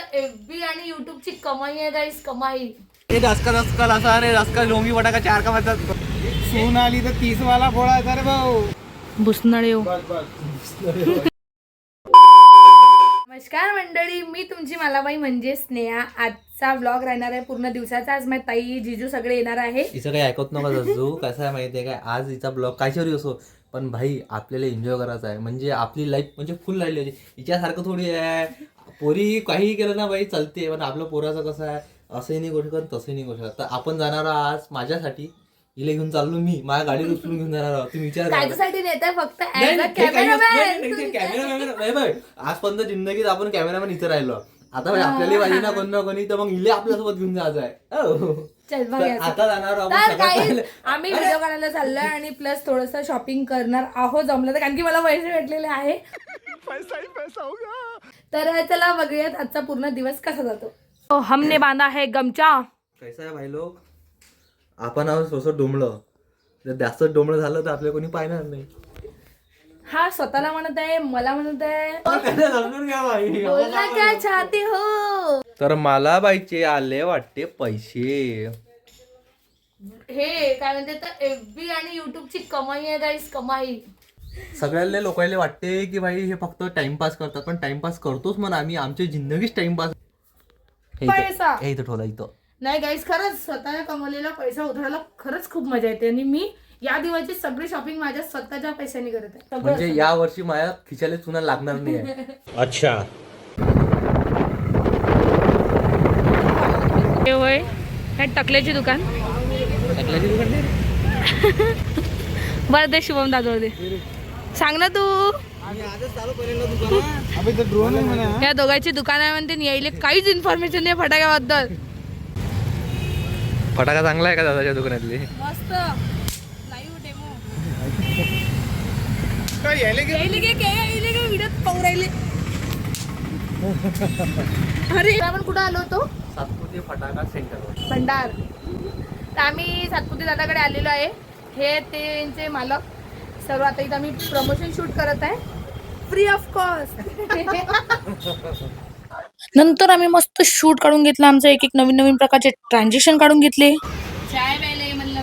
FB आणि यूट्यूबची कमाई आहे गाईस, कमाई. ये 10 का लसा आणि 10 का लोंगी बटाका 4 का मतलब सून आली तर 30 वाला फोडायचा रे भाऊ. भुसनळे येऊ. नमस्कार मंडळी, मी तुमची मालाबाई म्हणजे स्नेहा. आजचा ब्लॉग राहणार आहे पूर्ण दिवसाचा. आज माझी ताई जिजू सगळे येणार आहे. हिचं काही ऐकत नका जसू. कसं आहे माहिती आहे काय, आज हिचा ब्लॉग कायच्यावरी असो पण भाई आपल्याला एन्जॉय करायचा आहे. म्हणजे आपली लाईफ म्हणजे फुल राहिली होती. हिच्यासारखं थोडी आहे पोरी काहीही केलं ना बाई चालते, पण आपलं पोराचं कसं आहे असंही नाही करू शकत तसंही नाही करू शकत. तर आपण जाणार आज माझ्यासाठी हिला घेऊन चाललो मी, माझ्या गाडीवर उचलून घेऊन जाणार आहोत. तुम्ही विचार कायच्यासाठी नेताय फक्त कॅमेरामॅन. आजपर्यंत जिंदगीत आपण कॅमेरामॅन इथे राहिलो. आता भाई आपल्याला पाहिजे ना कोण ना कोणी, तर मग हिले आपल्यासोबत घेऊन जायचं आहे. आता जाणार आहोत. आम्ही व्हिडिओ करायला चाललोय आणि प्लस थोडस शॉपिंग करणार आहोत जमलं तर, कारण की मला पैसे भेटलेले आहे. तर चला बघूयात आजचा पूर्ण दिवस कसा जातो. हमने बांधा है गमचा. कैसा आहे भाई लोक, आपण आहोत थोडंसं डोंबलं. जर जास्त डोंबलं झालं तर आपल्या कोणी पाहणार नाही. हा स्वतःला म्हणत आहे, मला म्हणत आहे. समजून घ्या बाई. बोलना क्या चाहते हो. तर मला बाईचे आले वाटते पैसे. हे काय म्हणते तर एफबी आणि यूट्यूबची कमाई आहे गाईस, कमाई. सगळ्याले लोकांना वाटते की भाई हे फक्त टाइमपास करतात, पण टाइमपास करतोच म्हणा आम्ही. आमची जिंदगीच टाइमपास. पैसा हे इथं ठेवला इथं. नाही गाईस, खरंच स्वतः कमवलेला पैसा उधळायला खरंच खूप मजा येते. आणि मी या दिवाळीची सगळी शॉपिंग माझ्या स्वतःच्या पैशाने करत आहे. म्हणजे या वर्षी माझ्या खिशाला चुना लागणार नाही आहे. अच्छा. होय काय टकल्याची दुकान. बरं दे शुभम दादा दे, सांग ना तू. ड्रोन आहे म्हणा. या दोघांची दुकान आहे म्हणते, यायले काहीच इन्फॉर्मेशन नाही फटाक्याबद्दल. फटाका चांगला आहे का दादाच्या दुकानातली? मस्त लाईव्ह डेमो. काय यायले गे व्हिडिओ पाहू राहिले. अरे आपण कुठं आलो होतो? सातपुते फटाका सेंटर भंडार. तर आम्ही सातपुते दादाकडे आलेलो आहे. हे त्यांचे मालक सर्व. आता इथं आम्ही प्रमोशन शूट करत आहे फ्री ऑफ कॉस्ट. नंतर आम्ही मस्त शूट काढून घेतलं आमचं. एक एक नवीन नवीन प्रकारचे ट्रान्झॅक्शन काढून घेतले. चाय प्यायले म्हणलं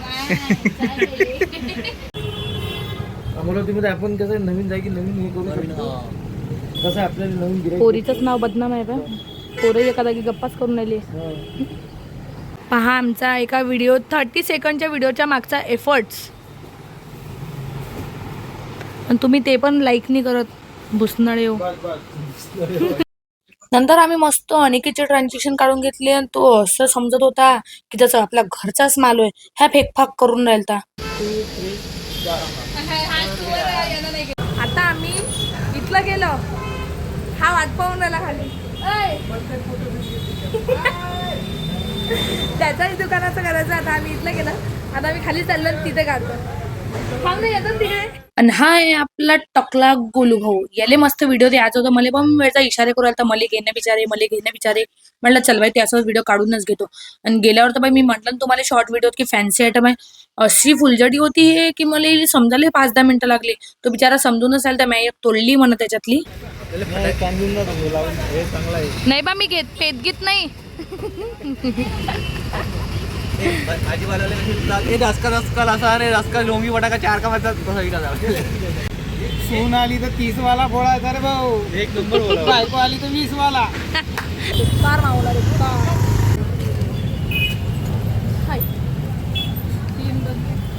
अमरावतीमध्ये आपण कसं नवीन जागी नवीन हे करू शकतो. कसं आपल्याला नवीन गिऱ्हाईक. पोरीचंच नाव बदनाम आहे का? पोरं एका जागी गप्पाच करून राहिली. पहा आमचा एका व्हिडिओ 30 सेकंडच्या व्हिडिओच्या मागचा एफर्ट्स. पण तुम्ही ते पण लाईक नाही करत, भुसनळे येऊ. नंतर आम्ही मस्त अनिकेतचे ट्रान्झॅक्शन काढून घेतले. आणि तो असं समजत होता की त्याचा आपला घरचाच माल आहे. ह्या फेकफाक करून राहिलता. आता आम्ही इथलं गेलो, हा वाट पाहून राहिला खाली. त्याच्याच दुकानाचं करायचं. आता आम्ही इथलं गेलो, आता आम्ही खाली चाललो तिथे काढतो. आणि हा आहे आपला टकला गोलू भाऊ. याले मस्त व्हिडिओ द्यायचा होता. मला पण वेळचा इशारे करू राहिला, मला घेणं बिचारे. म्हटलं चल बाई त्याचाच व्हिडिओ काढूनच घेतो. आणि गेल्यावर तर बाई मी म्हटलं तुम्हाला शॉर्ट व्हिडिओ की फॅन्सी आयटम आहे. अशी फुलझडी होती हे की मला समजायला 5-10 मिनिटं लागली. तो बिचारा समजूनच आला. तर मी तोडली म्हणत त्याच्यातली. नाही बा मी पेत घेत नाही. ये 10 का लसा आणि 10 का लोंगी बटाका 4 का मतलब सून आली तर 30 वाला फोडायचा रे भाऊ. एक नंबर. बायको आली तर 20 वाला. कार मावला रे कार. हाय 3-2.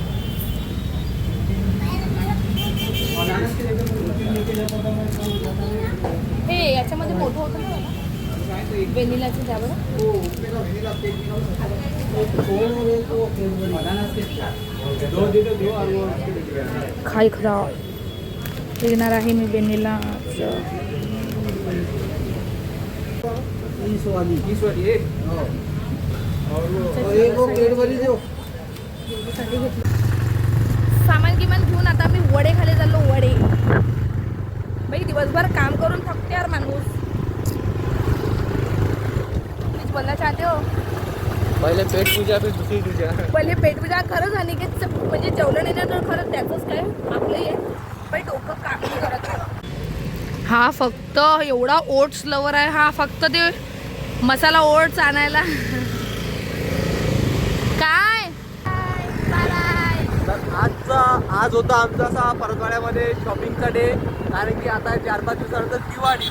हे याच्यामध्ये मोठं होतं ना वेनिलाचं द्यावं. खाई खरा घेणार आहे मी वेनिला. सामान किमान घेऊन आता मी वडे खाले चाललो. वडे बाई दिवसभर काम करून थकते यार माणूस. प्लीज बोलना चाहते हो. पहिले पेट पूजा फिर दुसरी पूजा. पहिले पेट पूजा खरंच. आणि म्हणजे जेवलं नाही तर खरंच त्याचंच काय आपलं हे बाई डोकं काम नाही करत. हा फक्त एवढा ओट्स लवर आहे. हा फक्त ते मसाला ओट्स आणायला. काय तर आज होता आमचा असा परतवाड्यामध्ये शॉपिंगचा डे, कारण की आता 4-5 दिवसानंतर दिवाळी.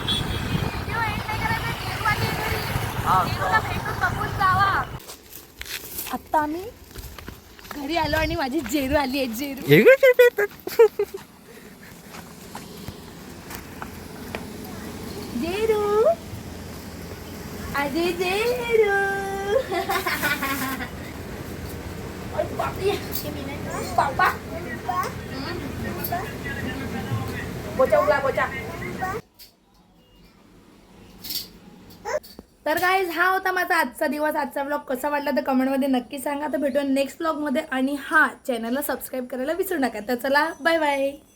आता आम्ही घरी आलो आणि माझी जेरू आली आहे. जेरू जेरू आजी जेरू. पापा बोचा उगला बोचा. तर गाईज हा होता माझा आजचा दिवस. आजचा ब्लॉग कसा वाटला तर कमेंटमध्ये नक्की सांगा. तर भेटूया नेक्स्ट ब्लॉगमध्ये. आणि हा चॅनलला सबस्क्राईब करायला विसरू नका. तर चला बाय बाय.